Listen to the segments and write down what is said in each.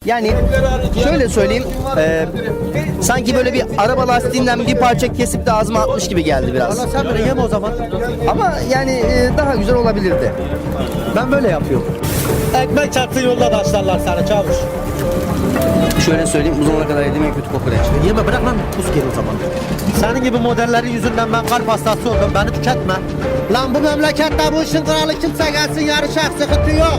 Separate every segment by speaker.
Speaker 1: Yani şöyle söyleyeyim, sanki böyle bir araba lastiğinden bir parça kesip de ağzıma atmış gibi geldi biraz.
Speaker 2: Valla sen beni yeme o zaman.
Speaker 1: Ama yani daha güzel olabilirdi.
Speaker 2: Ben böyle yapıyorum. Ekmek çarptı yolda taşlarlar sana çavuş.
Speaker 1: Şöyle söyleyeyim, bu zamana kadar yediğim en kötü kokoreç.
Speaker 2: Yeme bırak lan pus gel o zaman. Senin gibi modellerin yüzünden ben kalp hastası oldum. Beni tüketme. Lan bu memlekette bu işin kralı kimse gelsin yarışak sıkıntı yok.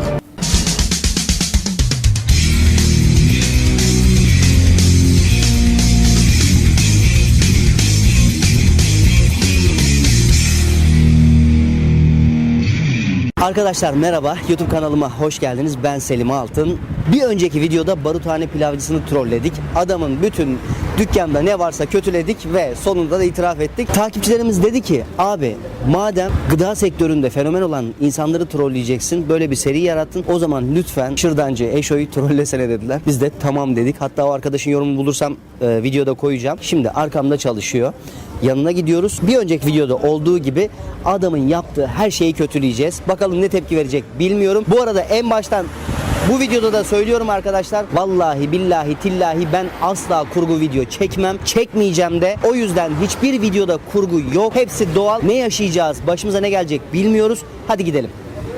Speaker 1: Arkadaşlar merhaba, YouTube kanalıma hoş geldiniz. Ben Selim Altın. Bir önceki videoda Baruthane pilavcısını trolledik. Adamın bütün dükkanda ne varsa kötüledik ve sonunda da itiraf ettik. Takipçilerimiz dedi ki, abi madem gıda sektöründe fenomen olan insanları trolleyeceksin, böyle bir seri yarattın, o zaman lütfen Şırdancı Eşo'yu trollesene dediler. Biz de tamam dedik. Hatta o arkadaşın yorumunu bulursam videoda koyacağım. Şimdi arkamda çalışıyor. Yanına gidiyoruz. Bir önceki videoda olduğu gibi adamın yaptığı her şeyi kötüleyeceğiz. Bakalım ne tepki verecek bilmiyorum. Bu arada en baştan bu videoda da söylüyorum arkadaşlar. Vallahi billahi tillahi ben asla kurgu video çekmem. Çekmeyeceğim de. O yüzden hiçbir videoda kurgu yok. Hepsi doğal. Ne yaşayacağız? Başımıza ne gelecek bilmiyoruz. Hadi gidelim.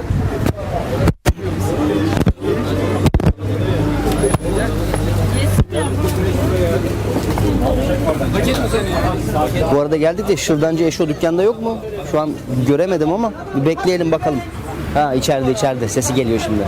Speaker 1: Bu arada geldik de Şırdancı Eşo dükkanda yok mu? Şu an göremedim ama bir bekleyelim bakalım. Ha içeride sesi geliyor şimdi.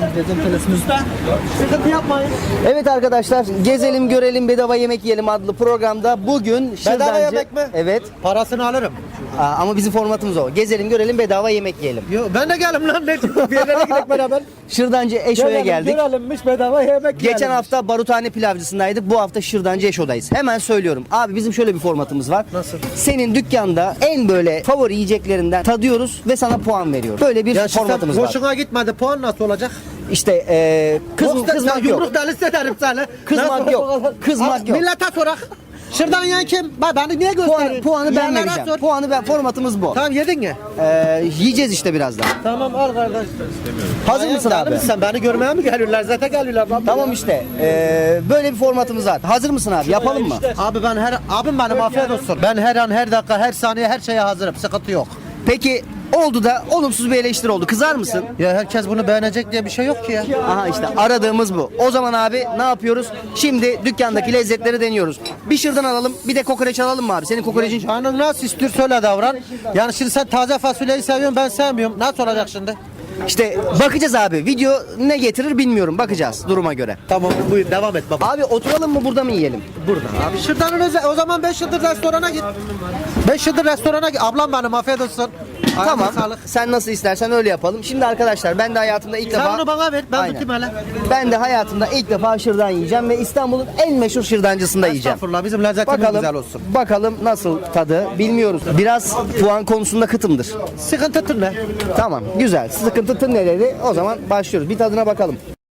Speaker 2: Sıkıntı yapmayın.
Speaker 1: Evet arkadaşlar, gezelim görelim bedava yemek yiyelim adlı programda bugün Şırdancı...
Speaker 2: Bedava yemek mi?
Speaker 1: Evet.
Speaker 2: Parasını alırım.
Speaker 1: Ama bizim formatımız o. Gezelim görelim bedava yemek yiyelim.
Speaker 2: Yo, ben de gelim lan ne bir yerlere gidelim beraber.
Speaker 1: Şırdancı Eşo'ya geldik.
Speaker 2: Görelimmiş bedava yemek
Speaker 1: Geçen hafta Baruthane pilavcısındaydık. Bu hafta Şırdancı Eşo'dayız. Hemen söylüyorum. Abi bizim şöyle bir formatımız var.
Speaker 2: Nasıl?
Speaker 1: Senin dükkanda en böyle favori yiyeceklerinden tadıyoruz ve sana puan veriyoruz. Böyle bir formatımız var.
Speaker 2: Hoşuna gitmedi puan nasıl olacak?
Speaker 1: İşte kızmak yok.
Speaker 2: Yumruk delisi ederim seni.
Speaker 1: Kızmak yok. Kızmak yok.
Speaker 2: Millete sorak. Şırdan yiyen kim? Beni niye gösteriyorsun?
Speaker 1: Puanı ben
Speaker 2: Yiyenlere
Speaker 1: vereceğim.
Speaker 2: sor.
Speaker 1: Formatımız bu.
Speaker 2: Tamam yedin mi?
Speaker 1: Yiyeceğiz işte birazdan.
Speaker 2: Tamam al kardeş.
Speaker 1: Hazır mısın abi?
Speaker 2: Sen beni görmeye mi geliyorlar? Zaten geliyorlar.
Speaker 1: Tamam işte. Böyle bir formatımız var. Hazır mısın abi? Yapalım mı?
Speaker 2: Abi abim benim afiyet olsun. Ben her an her dakika her saniye her şeye hazırım. Sıkıntı yok.
Speaker 1: Peki oldu da olumsuz bir eleştiri oldu. Kızar mısın?
Speaker 2: Ya herkes bunu beğenecek diye bir şey yok ki ya.
Speaker 1: Aha işte aradığımız bu. O zaman abi ne yapıyoruz? Şimdi dükkandaki lezzetleri deniyoruz. Bir şırdan alalım, bir de kokoreç alalım mı abi? Senin kokorecin...
Speaker 2: Canın nasıl istiyor söyle davran. Yani şimdi sen taze fasulyeyi seviyorsun ben sevmiyorum. Nasıl olacak şimdi?
Speaker 1: İşte bakacağız abi. Video ne getirir bilmiyorum. Bakacağız duruma göre.
Speaker 2: Tamam buyur devam et baba.
Speaker 1: Abi oturalım mı burada mı yiyelim?
Speaker 2: Burada abi. Şırdanın o zaman 5 yıldır restorana git. 5 yıldır restorana git. Ablam benim afiyet olsun.
Speaker 1: Tamam.
Speaker 2: Ayağına sağlık.
Speaker 1: Sen nasıl istersen öyle yapalım. Şimdi arkadaşlar ben de hayatımda ilk defa...
Speaker 2: Sen onu bana ver. Ben
Speaker 1: Aynen.
Speaker 2: tutayım hele.
Speaker 1: Ben de hayatımda ilk defa şırdan yiyeceğim ve İstanbul'un en meşhur şırdancısında yiyeceğim.
Speaker 2: Estağfurullah bizim lezzetimiz güzel olsun.
Speaker 1: Bakalım nasıl tadı bilmiyoruz. Biraz puan konusunda kıtımdır.
Speaker 2: Sıkıntı tır ne?
Speaker 1: Tamam güzel. Sıkıntı tır ne dedi? O zaman başlıyoruz. Bir tadına bakalım.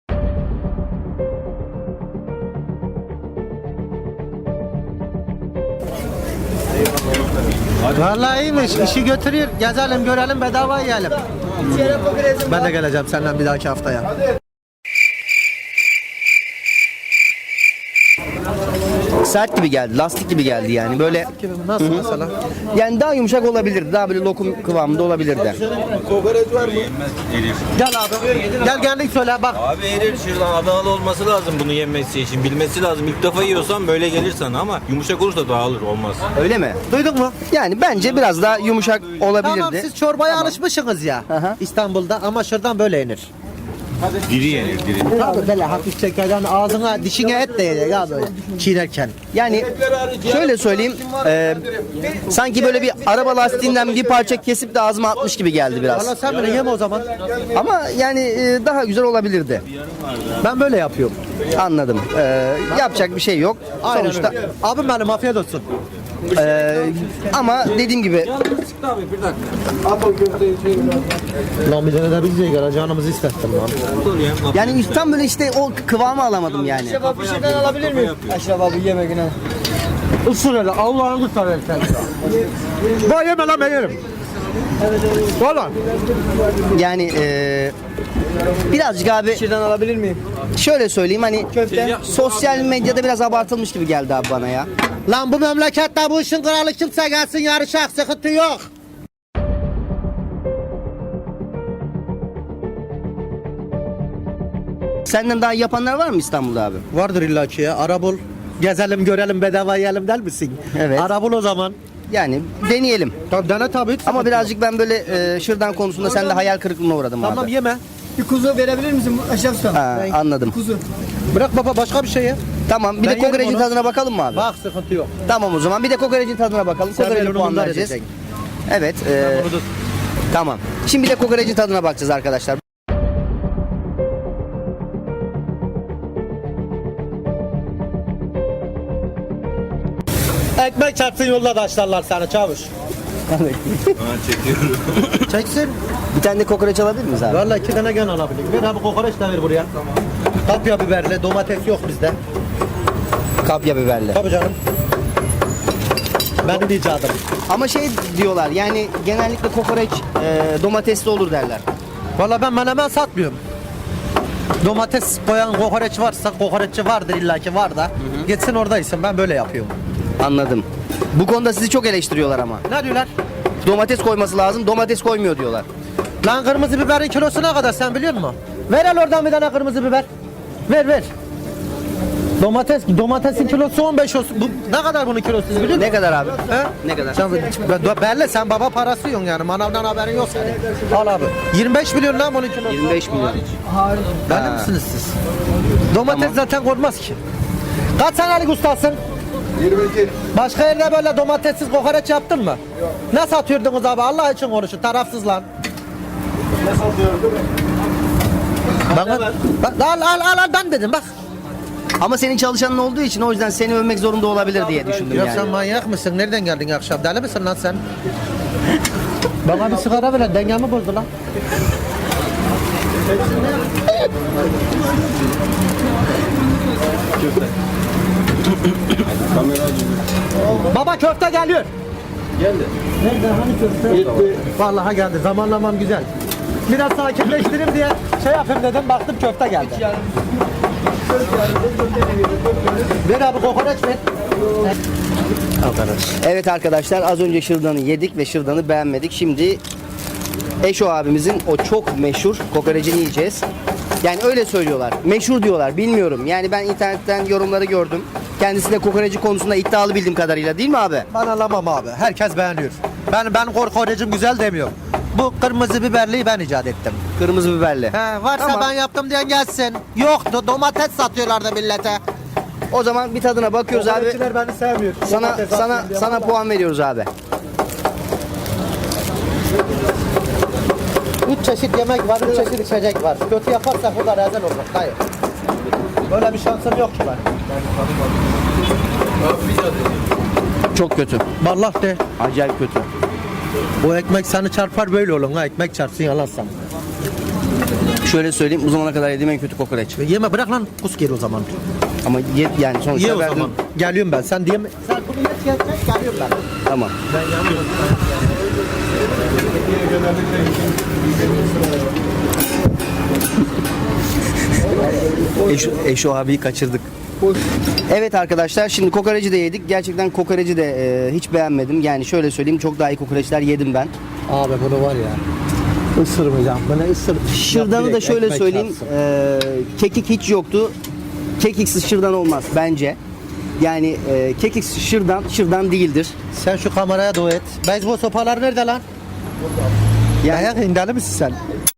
Speaker 2: Vallahi iyiymiş. İşi götürüyor. Gezelim, görelim, bedava yiyelim. Ben de geleceğim senden bir dahaki haftaya.
Speaker 1: Sert gibi geldi. Lastik gibi geldi yani. Böyle
Speaker 2: Nasıl mesela?
Speaker 1: yani daha yumuşak olabilirdi. Daha böyle lokum kıvamında olabilirdi.
Speaker 2: Gel abi. Gel geldik söyle bak.
Speaker 3: Abi erir şuradan Adanalı olması lazım bunu yemesi için. Bilmesi lazım. İlk defa yiyorsan böyle gelir sana ama yumuşak olursa dağılır olmaz.
Speaker 1: Öyle mi?
Speaker 2: Duydun mu?
Speaker 1: Yani bence biraz daha yumuşak olabilirdi.
Speaker 2: Tamam siz çorbaya alışmışsınız ya.
Speaker 1: Aha.
Speaker 2: İstanbul'da ama şuradan böyle yenir.
Speaker 3: Diri yenir diri.
Speaker 2: Tabii böyle hafif çekerden ağzına dişine et değecek ya böyle çiğnerken.
Speaker 1: Yani şöyle söyleyeyim, sanki böyle bir araba lastiğinden bir parça kesip de ağzıma atmış gibi geldi biraz.
Speaker 2: Valla sen beni yeme o zaman.
Speaker 1: Ama yani daha güzel olabilirdi.
Speaker 2: Ben böyle yapıyorum.
Speaker 1: Anladım. Yapacak bir şey yok.
Speaker 2: Aynen
Speaker 1: Sonuçta
Speaker 2: öyle. Abim benim afiyet olsun.
Speaker 1: ama dediğim gibi
Speaker 2: Lan bir tane de biz de canımızı isterdim lan.
Speaker 1: yani tam böyle işte o kıvamı alamadım yani.
Speaker 2: Bir şeyden alabilir miyim? Aşraf abi yeme güne. Isır hele Allah'ını kurtar sen. Bak yeme lan ben yerim. Valla.
Speaker 1: Yani birazcık abi
Speaker 4: Şuradan alabilir miyim?
Speaker 1: şöyle söyleyeyim hani
Speaker 4: Köfte.
Speaker 1: sosyal medyada biraz abartılmış gibi geldi abi bana ya.
Speaker 2: Lan bu memlekette bu işin kralı kimse gelsin yarışak, sıkıntı yok.
Speaker 1: Senden daha iyi yapanlar var mı İstanbul'da abi?
Speaker 2: Vardır illaki ya. Ara bul. Gezelim görelim bedava yiyelim der misin?
Speaker 1: Evet.
Speaker 2: Ara bul o zaman.
Speaker 1: Yani deneyelim.
Speaker 2: Tabii dene tabii.
Speaker 1: Ama birazcık ben böyle şırdan konusunda sende hayal kırıklığına uğradım
Speaker 2: Tamam
Speaker 1: abi.
Speaker 2: yeme.
Speaker 4: Bir kuzu verebilir misin Aşraf Usta?
Speaker 1: Ha, anladım.
Speaker 4: Kuzu.
Speaker 2: Bırak baba başka bir şey ye.
Speaker 1: Tamam bir
Speaker 2: Ben
Speaker 1: de
Speaker 2: yerim
Speaker 1: kokoreçin
Speaker 2: onu.
Speaker 1: tadına bakalım mı abi?
Speaker 2: Bak sıkıntı yok.
Speaker 1: Tamam o zaman bir de kokoreçin tadına bakalım.
Speaker 2: Sen
Speaker 1: Kokoreçe
Speaker 2: beni
Speaker 1: puan
Speaker 2: bundan
Speaker 1: vereceğiz.
Speaker 2: edeceksin.
Speaker 1: Evet.
Speaker 2: Bunu tut.
Speaker 1: Tamam. Şimdi bir de kokoreçin tadına bakacağız arkadaşlar.
Speaker 2: Ekmek çarpsın yolda taşlarlar seni çavuş.
Speaker 3: Ha, çekiyorum.
Speaker 2: Çeksin.
Speaker 1: Bir tane de kokoreç alabilir miyiz abi?
Speaker 2: Valla 2 tane gene alabilir. Ver abi kokoreç de ver buraya. Kapya biberli, domates yok bizde.
Speaker 1: Kapya biberli.
Speaker 2: Tabii canım. Benim icadım.
Speaker 1: Ama şey diyorlar yani genellikle kokoreç domatesli olur derler.
Speaker 2: Valla ben menemen satmıyorum. Domates koyan kokoreç varsa kokoreççi vardır illaki var da. Gitsin oradaysın ben böyle yapıyorum.
Speaker 1: Anladım. Bu konuda sizi çok eleştiriyorlar ama.
Speaker 2: Ne diyorlar?
Speaker 1: Domates koyması lazım, domates koymuyor diyorlar.
Speaker 2: Lan kırmızı biberin kilosu ne kadar sen biliyor musun? Ver el oradan bir tane kırmızı biber. Ver. Domatesin kilosu 15 olsun. Bu, ne kadar bunun kilosu biliyor musun?
Speaker 1: Ne kadar abi?
Speaker 2: He?
Speaker 1: Ne kadar?
Speaker 2: Belli sen baba parası yiyorsun yani manavdan haberin yok senin. Al abi. 25 milyon lan bunun kilosu.
Speaker 1: 25 milyon.
Speaker 2: Belli misiniz siz? Domates zaten konmaz ki. Kaç senelik ustasın?
Speaker 5: 22.
Speaker 2: Başka yerde böyle domatessiz kokoreç yaptın mı? Yok. Ne satıyordunuz abi? Allah için konuşun. Tarafsız lan.
Speaker 5: Ne satıyoruz değil mi?
Speaker 2: Bak, al ben dedim bak.
Speaker 1: Ama senin çalışanın olduğu için o yüzden seni övmek zorunda olabilir diye düşündüm
Speaker 2: Ya
Speaker 1: yani.
Speaker 2: sen manyak mısın? Nereden geldin akşam? Deli misin lan sen? Bana bir sigara ver. Dengemi bozdu lan. Baba köfte geliyor.
Speaker 5: Geldi.
Speaker 2: Nerede? Hani köfte?
Speaker 5: Gitti.
Speaker 2: Vallahi geldi. Zamanlamam güzel. Biraz sakinleştireyim diye şey yapayım dedim. Baktım köfte geldi. Ver abi kokoreç ver.
Speaker 1: Evet arkadaşlar az önce şırdanı yedik ve şırdanı beğenmedik. Şimdi Eşo abimizin o çok meşhur kokorecini yiyeceğiz. Yani öyle söylüyorlar. Meşhur diyorlar. Bilmiyorum. Yani ben internetten yorumları gördüm. Kendisi de kokoreci konusunda iddialı bildiğim kadarıyla değil mi abi?
Speaker 2: Ben anlamam abi. Herkes beğeniyor. Ben kokorecim güzel demiyorum. Bu kırmızı biberliyi ben icat ettim.
Speaker 1: Kırmızı biberli.
Speaker 2: He, varsa
Speaker 1: Tamam.
Speaker 2: ben yaptım diyen gelsin. Yoktu. Domates satıyorlardı millete.
Speaker 1: O zaman bir tadına bakıyoruz abi.
Speaker 2: beni sevmiyor.
Speaker 1: Sana puan veriyoruz abi.
Speaker 2: 3 çeşit yemek var, 3 çeşit içecek var. Kötü yaparsak burada rezil olur. Hayır. Böyle bir şansım yok ki ben.
Speaker 1: Çok kötü.
Speaker 2: Vallahi de.
Speaker 1: Acayip kötü.
Speaker 2: Bu ekmek seni çarpar böyle olur ha. Ekmek çarpsın yalan sana.
Speaker 1: Şöyle söyleyeyim bu zamana kadar yediğim en kötü kokoreç.
Speaker 2: Yeme bırak lan. Kus geri o zaman.
Speaker 1: Ama yani sonuçta
Speaker 2: Ye o
Speaker 1: verdim.
Speaker 2: zaman. Geliyorum ben. Sen diyeme. Sen bunu geç geliyorum ben.
Speaker 1: Tamam. Eşo abiyi kaçırdık. Evet arkadaşlar şimdi kokoreci de yedik. Gerçekten kokoreci de hiç beğenmedim. Yani şöyle söyleyeyim çok daha iyi kokoreçler yedim ben.
Speaker 2: Abi bunu var ya. Isırmayacağım. Bana ısır.
Speaker 1: Şırdanı da şöyle söyleyeyim. Kekik hiç yoktu. Kekiksiz şırdan olmaz bence. Yani kekiksiz şırdan değildir.
Speaker 2: Sen şu kameraya dua et. Beyzbol sopaları nerede lan?
Speaker 1: Yani
Speaker 2: Ayak indeli misin sen?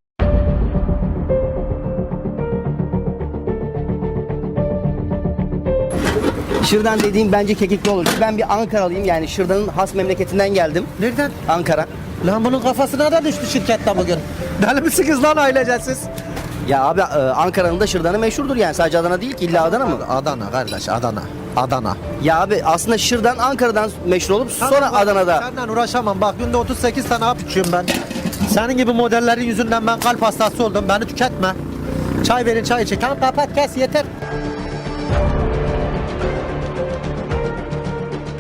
Speaker 1: şırdan dediğim bence kekikli olur. Ben bir Ankaralıyım yani şırdanın has memleketinden geldim.
Speaker 2: Nereden?
Speaker 1: Ankara.
Speaker 2: Lan bunun kafasına da düştü şirkette bugün. Deli misiniz lan ailecesiz?
Speaker 1: Ya abi Ankara'nın da şırdanı meşhurdur yani sadece Adana değil ki illa Adana mı?
Speaker 2: Adana kardeş Adana. Adana.
Speaker 1: Ya abi aslında şırdan Ankara'dan meşhur olup sonra Adana'da.
Speaker 2: Senden uğraşamam bak günde 38 tane hap içiyorum ben. Senin gibi modellerin yüzünden ben kalp hastası oldum. Beni tüketme. Çay verin çay için. Tamam kapat kes yeter.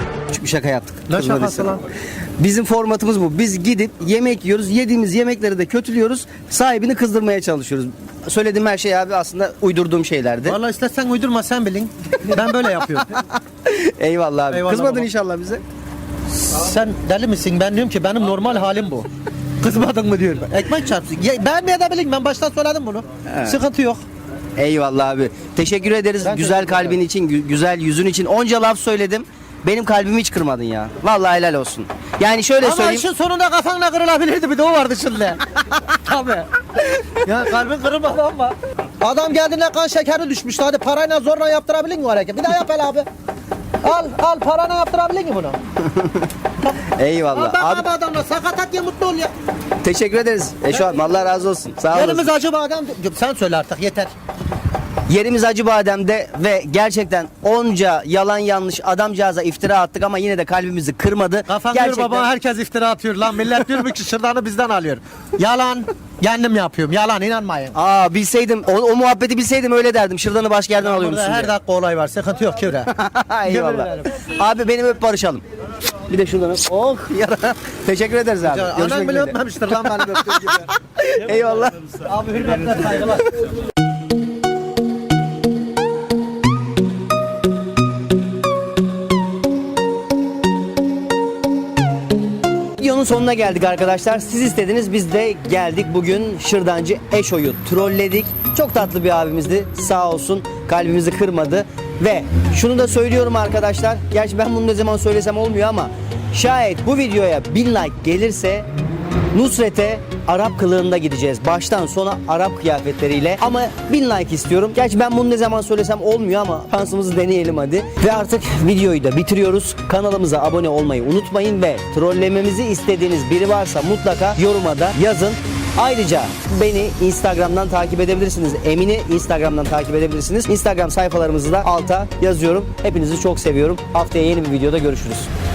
Speaker 1: bir şaka yaptık.
Speaker 2: Ne
Speaker 1: Kızmadıysa.
Speaker 2: şakası lan?
Speaker 1: Bizim formatımız bu. Biz gidip yemek yiyoruz. Yediğimiz yemekleri de kötülüyoruz. Sahibini kızdırmaya çalışıyoruz. Söylediğim her şey abi aslında uydurduğum şeylerdi.
Speaker 2: Vallahi istersen uydurma sen bilin. Ben böyle yapıyorum.
Speaker 1: Eyvallah abi.
Speaker 2: Eyvallah
Speaker 1: Kızmadın
Speaker 2: baba.
Speaker 1: inşallah bize.
Speaker 2: Sen deli misin? Ben diyorum ki benim normal halim bu. Kızmadın mı diyorum. Ekmek çarpsın. Beğenmeyebilirim, ben baştan söyledim bunu. Sıkıntı yok.
Speaker 1: Eyvallah abi. Teşekkür ederiz.
Speaker 2: Ben
Speaker 1: Güzel
Speaker 2: teşekkür ederim.
Speaker 1: kalbin için, güzel yüzün için. Onca laf söyledim. Benim kalbimi hiç kırmadın ya. Vallahi helal olsun. Yani şöyle
Speaker 2: Ama
Speaker 1: söyleyeyim.
Speaker 2: işin sonunda kafanla kırılabilirdi, bir de o vardı şimdi. Tabii. Ya kalbin kırılmadı ama. Adam geldiğinde kan şekeri düşmüştü. Hadi parayla zorla yaptırabilir mi o hareket? Bir daha yap hele abi. Al parayla yaptırabilir mi bunu?
Speaker 1: Eyvallah.
Speaker 2: Al
Speaker 1: Abi
Speaker 2: bak adamla sakatat ya, mutlu ol ya.
Speaker 1: teşekkür ederiz. Şu an Allah razı olsun. Sağ olasın.
Speaker 2: Yerimiz acaba adam. Sen söyle artık yeter.
Speaker 1: Yerimiz Acıbadem'de ve gerçekten onca yalan yanlış adamcağıza iftira attık ama yine de kalbimizi kırmadı.
Speaker 2: Kafan
Speaker 1: Gerçekten.
Speaker 2: diyor baba, herkes iftira atıyor lan. Millet diyor ki şırdanı bizden alıyor. Yalan. Kendim yapıyorum. Yalan, inanmayın.
Speaker 1: Aa bilseydim o muhabbeti bilseydim öyle derdim. Şırdanı başka yerden alıyormuşsun
Speaker 2: Burada her
Speaker 1: diye.
Speaker 2: dakika olay var. Sıkıntı yok Kübra.
Speaker 1: Eyvallah. Abi benim öp barışalım. Bir de şuradan öp. Oh yara. Teşekkür ederiz abi.
Speaker 2: Anam
Speaker 1: Görüşmek
Speaker 2: bile
Speaker 1: üzere.
Speaker 2: öpmemiştir lan benim öptüğüm gibi.
Speaker 1: Eyvallah.
Speaker 2: Abi hürmetler, saygılar.
Speaker 1: Videonun sonuna geldik arkadaşlar. Siz istediniz, biz de geldik. Bugün Şırdancı Eşo'yu trolledik. Çok tatlı bir abimizdi. Sağ olsun. Kalbimizi kırmadı. Ve şunu da söylüyorum arkadaşlar. Gerçi ben bunu ne zaman söylesem olmuyor ama şayet bu videoya 1000 like gelirse Nusret'e Arap kılığında gideceğiz. Baştan sona Arap kıyafetleriyle. Ama 1000 like istiyorum. Gerçi ben bunu ne zaman söylesem olmuyor ama şansımızı deneyelim hadi. Ve artık videoyu da bitiriyoruz. Kanalımıza abone olmayı unutmayın ve trollememizi istediğiniz biri varsa mutlaka yoruma da yazın. Ayrıca beni Instagram'dan takip edebilirsiniz. Emin'i Instagram'dan takip edebilirsiniz. Instagram sayfalarımızı da alta yazıyorum. Hepinizi çok seviyorum. Haftaya yeni bir videoda görüşürüz.